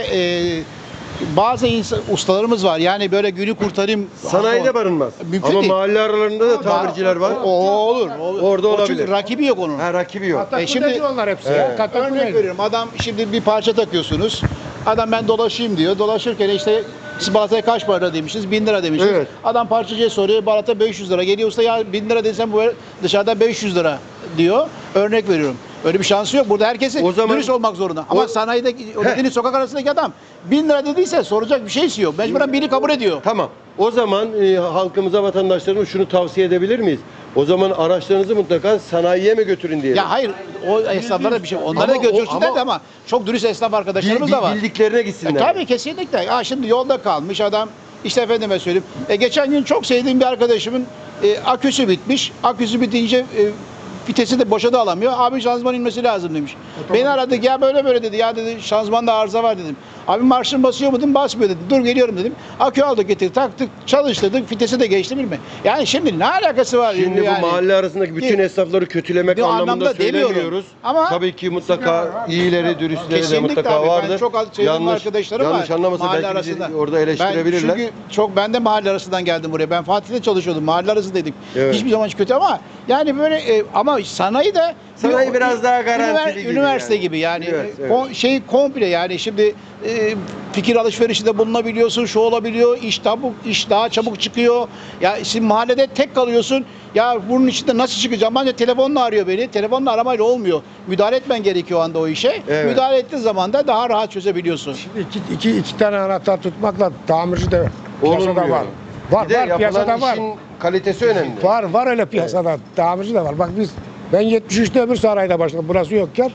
[SPEAKER 1] bazı ustalarımız var. Yani böyle günü kurtarayım.
[SPEAKER 2] Sanayide barınmaz.
[SPEAKER 1] Mümkün
[SPEAKER 2] Ama
[SPEAKER 1] değil.
[SPEAKER 2] mahalle aralarında da tabirciler var.
[SPEAKER 1] O olur.
[SPEAKER 2] Orada
[SPEAKER 1] O çünkü
[SPEAKER 2] olabilir.
[SPEAKER 1] rakibi yok onun.
[SPEAKER 2] Ha, rakibi yok.
[SPEAKER 1] Şimdi
[SPEAKER 4] onlar hepsi
[SPEAKER 2] Evet.
[SPEAKER 4] ya. Katakule.
[SPEAKER 1] örnek veriyorum. Adam şimdi bir parça takıyorsunuz. Adam ben dolaşayım diyor. Dolaşırken işte siz balataya kaç para demişsiniz? 1000 lira demişsiniz.
[SPEAKER 2] Evet.
[SPEAKER 1] Adam parçacıya soruyor. Balata 500 lira. Geliyor usta ya 1000 lira desem bu dışarıda 500 lira diyor. Örnek veriyorum. Öyle bir şansı yok. Burada herkesin
[SPEAKER 2] O zaman-
[SPEAKER 1] dürüst olmak zorunda. Ama sanayide o dediğiniz sokak arasındaki adam 1000 lira dediyse soracak bir şeysi yok. Mecburen biri kabul ediyor.
[SPEAKER 2] Tamam. O zaman halkımıza, vatandaşlarımıza şunu tavsiye edebilir miyiz? O zaman araçlarınızı mutlaka sanayiye mi götürün diyelim?
[SPEAKER 1] Ya hayır o esnaflara bir şey. Onları da
[SPEAKER 2] Ama o-
[SPEAKER 1] götürsünler
[SPEAKER 2] ama-
[SPEAKER 1] de ama çok dürüst esnaf arkadaşlarımız da var.
[SPEAKER 2] Bildiklerine gitsinler.
[SPEAKER 1] Tabii kesinlikle. Ya şimdi yolda kalmış adam işte efendime söyleyeyim. Geçen gün çok sevdiğim bir arkadaşımın aküsü bitmiş. Aküsü bitince vitesi de boşa da alamıyor. Abi şanzıman inmesi lazım demiş. Beni aradı ya böyle dedi. Ya dedi şanzımanda arıza var dedim. Abi marşın basıyor mu dedim. Basmıyor dedi. Dur geliyorum dedim. Akü aldık getirdik taktık çalıştırdık. Vitesi de geçti mi? Yani şimdi ne alakası var?
[SPEAKER 2] Şimdi
[SPEAKER 1] yani?
[SPEAKER 2] bu mahalle arasındaki bütün
[SPEAKER 1] Ki-
[SPEAKER 2] esnafları kötülemek
[SPEAKER 1] Bir
[SPEAKER 2] anlamında
[SPEAKER 1] anlamda demiyorum.
[SPEAKER 2] söylemiyoruz.
[SPEAKER 1] Ama-
[SPEAKER 2] tabii ki mutlaka iyileri, dürüstleri de
[SPEAKER 1] Kesinlikle
[SPEAKER 2] mutlaka
[SPEAKER 1] abi.
[SPEAKER 2] vardır.
[SPEAKER 1] Ben çok az sevdiğim arkadaşlarım var.
[SPEAKER 2] Yanlış anlamasın
[SPEAKER 1] mahalle
[SPEAKER 2] belki bizi
[SPEAKER 1] arasında.
[SPEAKER 2] orada eleştirebilirler.
[SPEAKER 1] Ben çünkü ben de mahalle arasından geldim buraya. Ben Fatih'te çalışıyordum. Mahalle arasındaydık.
[SPEAKER 2] Evet.
[SPEAKER 1] Hiçbir zaman hiç kötü ama yani böyle ama sanayi de
[SPEAKER 2] Sanayi biraz daha garantili gibi
[SPEAKER 1] üniversite
[SPEAKER 2] yani.
[SPEAKER 1] gibi yani.
[SPEAKER 2] Evet, evet.
[SPEAKER 1] Şey komple yani şimdi fikir alışverişinde bulunabiliyorsun, şu olabiliyor, iş daha çabuk çıkıyor. Ya şimdi mahallede tek kalıyorsun. Ya bunun içinde nasıl çıkacağım? Bence telefonla arıyor beni. Telefonla aramayla olmuyor. Müdahale etmen gerekiyor o anda o işe.
[SPEAKER 2] Evet.
[SPEAKER 1] Müdahale ettiğin zaman da daha rahat çözebiliyorsun.
[SPEAKER 4] İki tane anahtar tutmakla tamirci de piyasada
[SPEAKER 2] Olmuyor.
[SPEAKER 4] var. Var
[SPEAKER 2] Bir de
[SPEAKER 4] var
[SPEAKER 2] yapılan
[SPEAKER 4] piyasada var.
[SPEAKER 2] işin kalitesi önemli.
[SPEAKER 4] Var öyle piyasada. Tamirci de var. Bak ben 73'te öbür sanayide başladım. Burası yokken.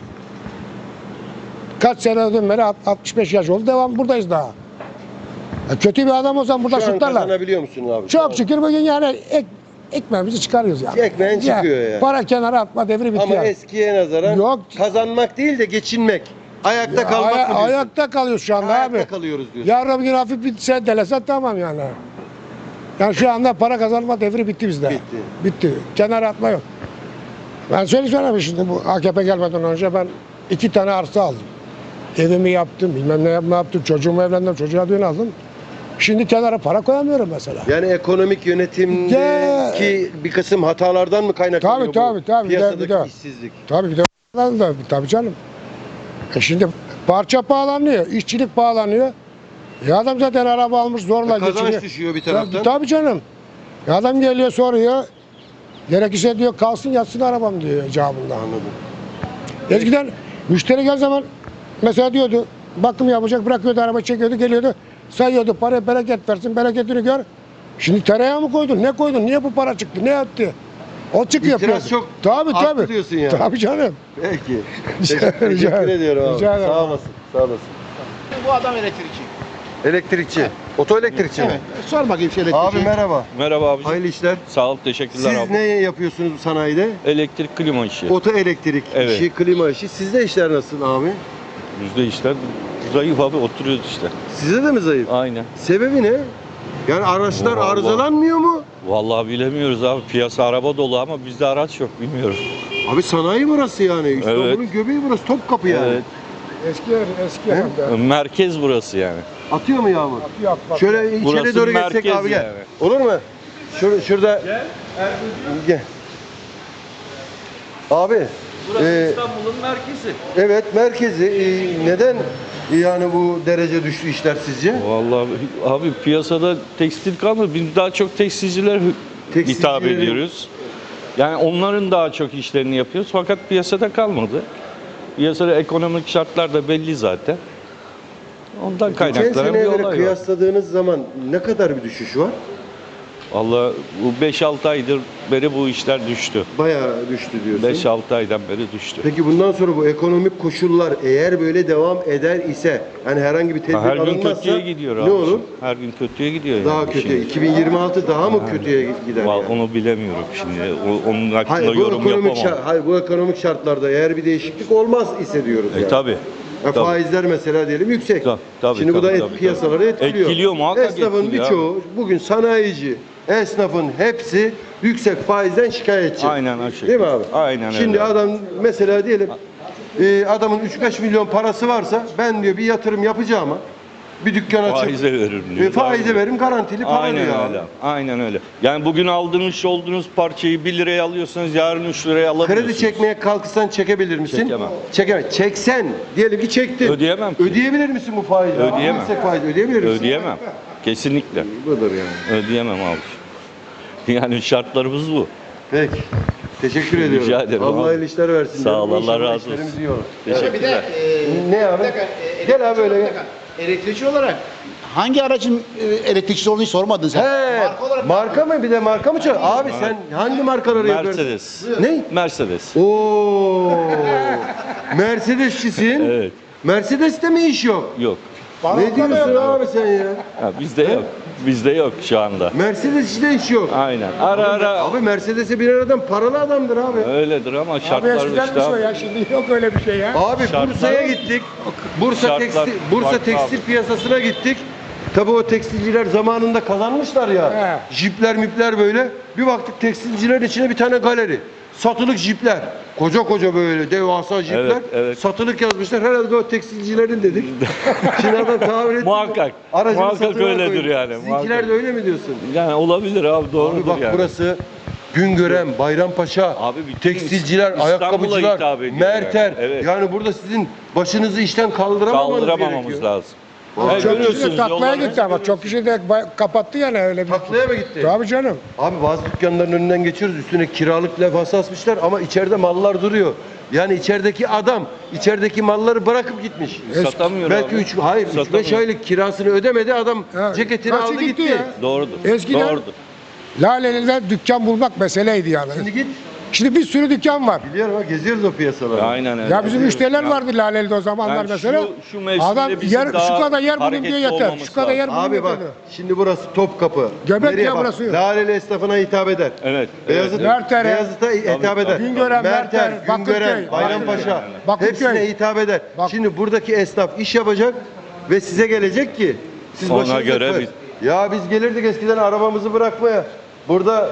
[SPEAKER 4] Kaç seneden beri 65 yaş oldu. Devam buradayız daha. Kötü bir adam olsam burada
[SPEAKER 2] Şu an
[SPEAKER 4] şutlarlar.
[SPEAKER 2] kazanabiliyor musun abi?
[SPEAKER 4] Çok şükür bugün yani ekmeğimizi çıkarıyoruz yani.
[SPEAKER 2] Ekmeğin çıkıyor yani.
[SPEAKER 4] Para kenara atma devri bitti
[SPEAKER 2] Ama
[SPEAKER 4] yani.
[SPEAKER 2] eskiye nazaran
[SPEAKER 4] Yok.
[SPEAKER 2] kazanmak değil de geçinmek. Ayakta kalmak mı diyorsun?
[SPEAKER 4] Ayakta kalıyoruz şu anda
[SPEAKER 2] Ayakta
[SPEAKER 4] abi.
[SPEAKER 2] kalıyoruz diyorsun.
[SPEAKER 4] Yarın bir gün hafif bir sendelese tamam yani. Yani şu anda para kazanma devri bitti bizde.
[SPEAKER 2] Bitti.
[SPEAKER 4] Bitti. Kenara atma yok. Ben söyleyeyim şimdi bu AKP gelmeden önce ben 2 tane arsa aldım. Evimi yaptım, bilmem ne yaptım, çocuğumu evlendim, çocuğa düğün aldım. Şimdi kenara para koyamıyorum mesela.
[SPEAKER 2] Yani ekonomik yönetimdeki bir kısım hatalardan mı kaynaklanıyor
[SPEAKER 4] Tabii.
[SPEAKER 2] bu
[SPEAKER 4] Bir de-
[SPEAKER 2] piyasadaki
[SPEAKER 4] bir de-
[SPEAKER 2] işsizlik?
[SPEAKER 4] Tabii bir de tabii canım. Şimdi parça pahalanıyor, işçilik pahalanıyor. Adam zaten araba almış zorla
[SPEAKER 2] Kazanç
[SPEAKER 4] geçiniyor.
[SPEAKER 2] düşüyor bir taraftan.
[SPEAKER 4] Tabii canım. Adam geliyor soruyor. Gerekirse diyor kalsın yatsın arabam diyor icabında.
[SPEAKER 2] Anladım.
[SPEAKER 4] Eskiden müşteri gel zaman mesela diyordu bakım yapacak bırakıyordu araba çekiyordu geliyordu sayıyordu parayı bereket versin bereketini gör. Şimdi tereyağı mı koydun ne koydun niye bu para çıktı ne etti? O çıkıyor.
[SPEAKER 2] İtiraz çok arttı diyorsun yani.
[SPEAKER 4] Tabii canım.
[SPEAKER 2] Peki.
[SPEAKER 4] Rica
[SPEAKER 2] Teşekkür
[SPEAKER 4] ederim.
[SPEAKER 2] ediyorum abi.
[SPEAKER 4] Rica ederim.
[SPEAKER 2] Sağ olasın. Sağ olasın.
[SPEAKER 1] Bu adam elektrikçi.
[SPEAKER 2] Elektrikçi. Oto elektrikçi mi?
[SPEAKER 1] Evet. Sor bakayım şu elektrikçi.
[SPEAKER 2] Abi merhaba.
[SPEAKER 5] Merhaba abicim.
[SPEAKER 2] Hayırlı işler.
[SPEAKER 5] Sağ ol, teşekkürler
[SPEAKER 2] Siz
[SPEAKER 5] abi.
[SPEAKER 2] ne yapıyorsunuz bu sanayide?
[SPEAKER 5] Elektrik klima işi.
[SPEAKER 2] Oto elektrik
[SPEAKER 5] Evet.
[SPEAKER 2] işi, klima işi. Sizde işler nasıl abi?
[SPEAKER 5] Yüzde işler zayıf abi, oturuyoruz işte.
[SPEAKER 2] Sizde de mi zayıf?
[SPEAKER 5] Aynen.
[SPEAKER 2] Sebebi ne? Yani araçlar
[SPEAKER 5] Vallahi-
[SPEAKER 2] arızalanmıyor mu?
[SPEAKER 5] Vallahi bilemiyoruz abi. Piyasa araba dolu ama bizde araç yok, bilmiyorum.
[SPEAKER 2] Abi sanayi burası yani. İstanbul'un göbeği burası. Topkapı yani.
[SPEAKER 5] Evet.
[SPEAKER 4] Eski hem de.
[SPEAKER 5] Merkez burası yani.
[SPEAKER 2] Atıyor mu yağmur?
[SPEAKER 4] Yapma.
[SPEAKER 2] Şöyle içeri
[SPEAKER 5] Burası
[SPEAKER 2] doğru geçsek
[SPEAKER 5] merkez
[SPEAKER 2] abi gel.
[SPEAKER 5] yani.
[SPEAKER 2] Olur mu? Şurada. Gel. Abi.
[SPEAKER 5] İstanbul'un merkezi.
[SPEAKER 2] Evet merkezi. Neden yani bu derece düştü işler sizce?
[SPEAKER 5] Vallahi abi piyasada tekstil kalmadı. Biz daha çok tekstilciler hitap
[SPEAKER 2] Tekstilcilerin-
[SPEAKER 5] ediyoruz. Yani onların daha çok işlerini yapıyoruz fakat piyasada kalmadı. Piyasada ekonomik şartlar da belli zaten. Ondan
[SPEAKER 2] Geçen
[SPEAKER 5] kaynaklanan bir
[SPEAKER 2] seneye
[SPEAKER 5] olay
[SPEAKER 2] göre
[SPEAKER 5] var.
[SPEAKER 2] kıyasladığınız zaman ne kadar bir düşüş var?
[SPEAKER 5] Vallahi bu 5-6 aydır beri bu işler düştü.
[SPEAKER 2] Bayağı düştü diyorsun.
[SPEAKER 5] 5-6 aydan beri düştü.
[SPEAKER 2] Peki bundan sonra bu ekonomik koşullar eğer böyle devam eder ise yani herhangi bir tedbir
[SPEAKER 5] Her gün
[SPEAKER 2] alınmazsa
[SPEAKER 5] kötüye gidiyor
[SPEAKER 2] ne
[SPEAKER 5] abi.
[SPEAKER 2] olur?
[SPEAKER 5] Her gün kötüye gidiyor.
[SPEAKER 2] Daha
[SPEAKER 5] yani
[SPEAKER 2] kötü.
[SPEAKER 5] şimdi.
[SPEAKER 2] 2026 daha mı kötüye gider
[SPEAKER 5] Vallahi
[SPEAKER 2] yani?
[SPEAKER 5] onu bilemiyorum şimdi. Onun hakkında
[SPEAKER 2] Hayır bu
[SPEAKER 5] yorum
[SPEAKER 2] ekonomik
[SPEAKER 5] yapamam.
[SPEAKER 2] hayır bu ekonomik şartlarda eğer bir değişiklik olmaz ise diyoruz yani.
[SPEAKER 5] Tabii.
[SPEAKER 2] Tabii. Faizler mesela diyelim yüksek.
[SPEAKER 5] Tabii,
[SPEAKER 2] Şimdi bu da
[SPEAKER 5] tabii.
[SPEAKER 2] piyasaları etkiliyor.
[SPEAKER 5] Etkiliyor, muhakkak
[SPEAKER 2] Esnafın
[SPEAKER 5] etkiliyor
[SPEAKER 2] birçoğu bugün sanayici, esnafın hepsi yüksek faizden şikayetçi.
[SPEAKER 5] Aynen o şekilde.
[SPEAKER 2] Değil mi abi?
[SPEAKER 5] Aynen
[SPEAKER 2] Şimdi
[SPEAKER 5] öyle.
[SPEAKER 2] adam mesela diyelim adamın 3-5 milyon parası varsa ben diyor bir yatırım yapacağıma bir dükkan açıp
[SPEAKER 5] Faize veririm diyor.
[SPEAKER 2] faize veririm garantili para
[SPEAKER 5] Aynen
[SPEAKER 2] diyor abi.
[SPEAKER 5] öyle. Aynen öyle. Yani bugün aldığınız olduğunuz parçayı 1 liraya alıyorsanız yarın 3 liraya alamıyorsunuz.
[SPEAKER 2] Kredi çekmeye kalkırsan çekebilir misin?
[SPEAKER 5] Çekemem.
[SPEAKER 2] Çekemem. Çeksen diyelim ki çektin.
[SPEAKER 5] Ödeyemem ki.
[SPEAKER 2] Ödeyebilir misin bu faizi?
[SPEAKER 5] Ödeyemem.
[SPEAKER 2] Yüksek faiz ödeyebilir misin?
[SPEAKER 5] Ödeyemem. Kesinlikle.
[SPEAKER 2] Budur yani.
[SPEAKER 5] Ödeyemem abi. Yani şartlarımız bu.
[SPEAKER 2] Peki. Teşekkür ediyorum.
[SPEAKER 5] Rica ederim
[SPEAKER 2] Allah
[SPEAKER 5] abi.
[SPEAKER 2] hayırlı işler versin.
[SPEAKER 5] Sağ ol,
[SPEAKER 2] İnşallah
[SPEAKER 5] Allah razı olsun.
[SPEAKER 2] işlerimiz iyi olur.
[SPEAKER 5] Teşekkürler.
[SPEAKER 2] Ne abi? Gel abi öyle.
[SPEAKER 1] Elektrikçi olarak hangi aracın elektrikçisi olduğunu sormadın sen.
[SPEAKER 2] He, marka mı? Bir de marka mı çalıyor? Abi sen hangi markaları yapıyorsun?
[SPEAKER 5] Mercedes.
[SPEAKER 2] Ne?
[SPEAKER 5] Mercedes.
[SPEAKER 2] Oo. Mercedesçisin.
[SPEAKER 5] Evet.
[SPEAKER 2] Mercedes'te mi iş yok?
[SPEAKER 5] Yok.
[SPEAKER 2] Ne diyorsun abi sen ya?
[SPEAKER 5] Ha, bizde yok. Bizde yok şu anda.
[SPEAKER 2] Mercedes'te iş yok.
[SPEAKER 5] Aynen. Ara ara
[SPEAKER 2] Abi Mercedes'e binen adam paralı adamdır abi.
[SPEAKER 5] öyledir ama
[SPEAKER 4] Abi
[SPEAKER 5] şartlar
[SPEAKER 4] eskiden
[SPEAKER 5] işte
[SPEAKER 4] bir şey
[SPEAKER 5] abi.
[SPEAKER 4] ya, şimdi yok öyle bir şey ya.
[SPEAKER 2] Abi
[SPEAKER 5] Şartlar-
[SPEAKER 2] Bursa'ya gittik. Bursa
[SPEAKER 5] Şartlar farklı
[SPEAKER 2] tekstil
[SPEAKER 5] abi.
[SPEAKER 2] piyasasına gittik. Tabii o tekstilciler zamanında kazanmışlar ya.
[SPEAKER 4] He.
[SPEAKER 2] Jipler mipler böyle. Bir baktık tekstilcilerin içine bir tane galeri. Satılık jipler. Koca koca böyle devasa jipler.
[SPEAKER 5] Evet, evet.
[SPEAKER 2] Satılık yazmışlar. Herhalde o tekstilcilerin dedik. Şimdi adam tahmin etti.
[SPEAKER 5] Muhakkak.
[SPEAKER 2] Aracını
[SPEAKER 5] Muhakkak
[SPEAKER 2] satılığa
[SPEAKER 5] öyledir
[SPEAKER 2] koymuş.
[SPEAKER 5] yani,
[SPEAKER 2] Sizinkiler
[SPEAKER 5] muhakkak.
[SPEAKER 2] de öyle mi diyorsun?
[SPEAKER 5] Yani olabilir abi doğrudur
[SPEAKER 2] Abi bak
[SPEAKER 5] yani.
[SPEAKER 2] burası Güngören, Bayrampaşa,
[SPEAKER 5] Abi bütün
[SPEAKER 2] tekstilciler,
[SPEAKER 5] İstanbul'a
[SPEAKER 2] ayakkabıcılar,
[SPEAKER 5] hitap ediyor
[SPEAKER 2] Merter.
[SPEAKER 5] yani. Evet.
[SPEAKER 2] Yani burada sizin başınızı işten kaldıramamanız
[SPEAKER 5] Kaldıramamamız
[SPEAKER 2] gerekiyor.
[SPEAKER 5] lazım.
[SPEAKER 2] Abi
[SPEAKER 5] Yani
[SPEAKER 4] Çok kişi de
[SPEAKER 5] görüyorsunuz
[SPEAKER 4] taklaya
[SPEAKER 5] yolları.
[SPEAKER 4] gitti ama çok kişi de kapattı yani öyle bir.
[SPEAKER 2] Taklaya mı gitti?
[SPEAKER 4] Tabii canım.
[SPEAKER 2] Abi bazı dükkanların önünden geçiyoruz. Üstüne kiralık levhası asmışlar ama içeride mallar duruyor. Yani içerideki adam içerideki malları bırakıp gitmiş.
[SPEAKER 5] Satamıyor
[SPEAKER 2] Belki
[SPEAKER 5] abi.
[SPEAKER 2] 3 5 aylık kirasını ödemedi. Adam
[SPEAKER 4] Ha,
[SPEAKER 2] ceketini
[SPEAKER 4] kaçı
[SPEAKER 2] aldı gitti.
[SPEAKER 4] ya?
[SPEAKER 5] Doğrudur.
[SPEAKER 4] Eskiden-
[SPEAKER 5] Doğrudur.
[SPEAKER 4] Laleli'de dükkan bulmak meseleydi yani.
[SPEAKER 2] Şimdi git.
[SPEAKER 4] Şimdi bir sürü dükkan var.
[SPEAKER 2] Biliyorum ha geziyoruz o piyasaları.
[SPEAKER 5] Aynen öyle.
[SPEAKER 4] Ya bizim müşteriler vardı Laleli'de o zamanlar
[SPEAKER 5] Yani
[SPEAKER 4] mesela.
[SPEAKER 5] şu mevsimde
[SPEAKER 4] Adam
[SPEAKER 5] bizim
[SPEAKER 4] yer,
[SPEAKER 5] daha
[SPEAKER 4] şu kadar yer bugün
[SPEAKER 5] hareketli
[SPEAKER 4] diyor yeter.
[SPEAKER 5] olmamız
[SPEAKER 4] Şu kadar yer bugün
[SPEAKER 2] Abi bak
[SPEAKER 4] yeter.
[SPEAKER 2] şimdi burası Topkapı.
[SPEAKER 4] Göbek
[SPEAKER 2] Nereye
[SPEAKER 4] ya
[SPEAKER 2] bak?
[SPEAKER 4] burası.
[SPEAKER 2] Laleli esnafına hitap eder.
[SPEAKER 5] Evet.
[SPEAKER 2] Beyazıt,
[SPEAKER 4] Merter'e,
[SPEAKER 2] Beyazıt'a hitap eder.
[SPEAKER 4] Güngören,
[SPEAKER 2] Merter,
[SPEAKER 4] Merter,
[SPEAKER 2] Güngören,
[SPEAKER 4] Bakırköy,
[SPEAKER 2] Bayrampaşa.
[SPEAKER 4] Bakırköy.
[SPEAKER 2] Hepsine hitap eder.
[SPEAKER 4] Bak-
[SPEAKER 2] Şimdi buradaki esnaf iş yapacak ve size gelecek ki siz
[SPEAKER 5] Ona
[SPEAKER 2] başınıza
[SPEAKER 5] göre
[SPEAKER 2] koyun. Ya biz gelirdik eskiden arabamızı bırakmaya. Burada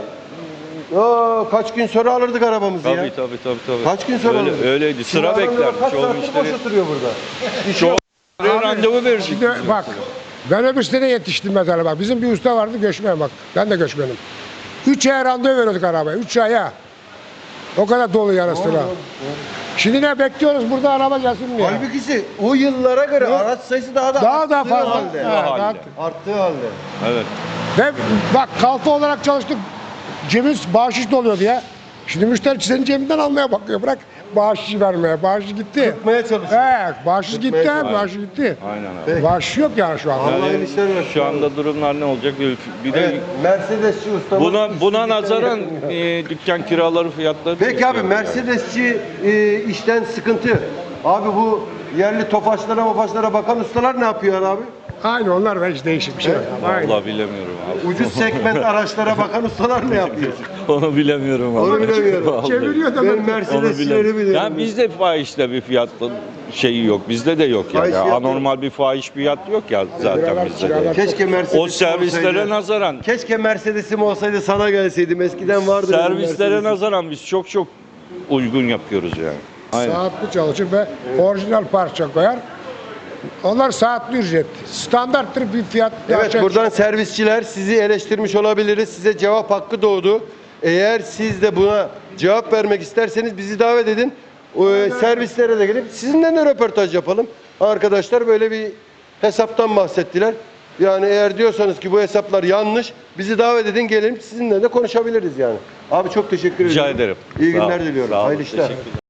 [SPEAKER 2] kaç gün sonra alırdık arabamızı ya.
[SPEAKER 5] Tabii.
[SPEAKER 2] Kaç gün sonra
[SPEAKER 5] Öyle,
[SPEAKER 2] alırdık.
[SPEAKER 5] öyleydi.
[SPEAKER 2] Şimdi
[SPEAKER 5] Sıra
[SPEAKER 2] adamlar
[SPEAKER 5] beklerdi.
[SPEAKER 2] Kaç
[SPEAKER 5] Çoğu
[SPEAKER 2] saattir
[SPEAKER 5] müşteri.
[SPEAKER 2] boş oturuyor burada. İş
[SPEAKER 5] Çoğu
[SPEAKER 2] yok.
[SPEAKER 5] randevu verirdik.
[SPEAKER 4] Şimdi bak ben öbür sitede yetiştim mesela bak. Bizim bir usta vardı göçmen bak. Ben de göçmenim. 3 aya randevu veriyorduk arabaya. 3 aya. O kadar dolu yarı sıra. Şimdi ne bekliyoruz burada araba gelsin mi ya?
[SPEAKER 2] Halbuki o yıllara göre araç sayısı daha da
[SPEAKER 4] Daha da
[SPEAKER 2] arttığı
[SPEAKER 4] fazla.
[SPEAKER 2] halde.
[SPEAKER 4] Ha, daha-
[SPEAKER 2] Arttığı halde.
[SPEAKER 5] Evet.
[SPEAKER 4] Ve bak kalfa olarak çalıştık. Cebimiz bahşiş doluyordu ya. Şimdi müşteri senin cebinden almaya bakıyor. Bırak bahşiş vermeye. Bahşiş gitti.
[SPEAKER 2] Tutmaya çalışıyor.
[SPEAKER 4] Bahşiş gitti.
[SPEAKER 2] çalışıyor.
[SPEAKER 4] Bahşiş gitti.
[SPEAKER 5] Aynen abi.
[SPEAKER 2] Peki.
[SPEAKER 4] Bahşiş yok yani şu anda.
[SPEAKER 2] Allah
[SPEAKER 5] Yani
[SPEAKER 2] hayırlı işler versin.
[SPEAKER 5] şu anda durumlar ne olacak? Bir de
[SPEAKER 2] Evet, Mercedesçi ustamız.
[SPEAKER 5] buna nazaran dükkan kiraları fiyatları
[SPEAKER 2] Peki abi
[SPEAKER 5] düşüyor.
[SPEAKER 2] Mercedesçi işten sıkıntı. Abi bu yerli tofaşlara bakan ustalar ne yapıyor abi?
[SPEAKER 4] Aynı onlar da hiç değişik bir şey yok. Aynı.
[SPEAKER 5] Vallahi bilemiyorum abi.
[SPEAKER 2] Ucuz segment araçlara bakan ustalar ne yapıyor?
[SPEAKER 5] Onu bilemiyorum abi.
[SPEAKER 2] Onu bilemiyorum.
[SPEAKER 5] Vallahi.
[SPEAKER 4] Çeviriyor da
[SPEAKER 2] Ben
[SPEAKER 4] ben.
[SPEAKER 5] Onu
[SPEAKER 2] Mercedesçileri
[SPEAKER 5] bilemiyorum.
[SPEAKER 2] biliyorum.
[SPEAKER 5] Yani bizde fahişte bir fiyat şeyi yok. Bizde de yok yani.
[SPEAKER 2] Fahiş fiyat
[SPEAKER 5] Anormal bir fahiş fiyat yok ya zaten
[SPEAKER 4] Kiralar,
[SPEAKER 5] bizde de.
[SPEAKER 4] kiralar.
[SPEAKER 2] Keşke Mercedes
[SPEAKER 5] O servislere
[SPEAKER 2] olsaydı.
[SPEAKER 5] nazaran
[SPEAKER 2] Keşke Mercedes'im olsaydı sana gelseydim. Eskiden vardı. benim
[SPEAKER 5] servislere
[SPEAKER 2] Mercedes'im.
[SPEAKER 5] nazaran biz çok uygun yapıyoruz yani. Aynen.
[SPEAKER 4] Saatli çalışır ve orijinal parça koyar. Onlar saatli ücret. Standarttır bir fiyat.
[SPEAKER 2] Evet buradan servisçiler sizi eleştirmiş olabiliriz. Size cevap hakkı doğdu. Eğer siz de buna cevap vermek isterseniz bizi davet edin. Servislere de gelip sizinle de röportaj yapalım. Arkadaşlar böyle bir hesaptan bahsettiler. Yani eğer diyorsanız ki bu hesaplar yanlış bizi davet edin gelelim sizinle de konuşabiliriz yani. Abi çok teşekkür
[SPEAKER 5] Rica
[SPEAKER 2] ederim.
[SPEAKER 5] ederim.
[SPEAKER 2] İyi
[SPEAKER 5] Sağ ol.
[SPEAKER 2] günler diliyorum.
[SPEAKER 5] Sağ olun.
[SPEAKER 2] Hayırlı işler.
[SPEAKER 5] Teşekkürler.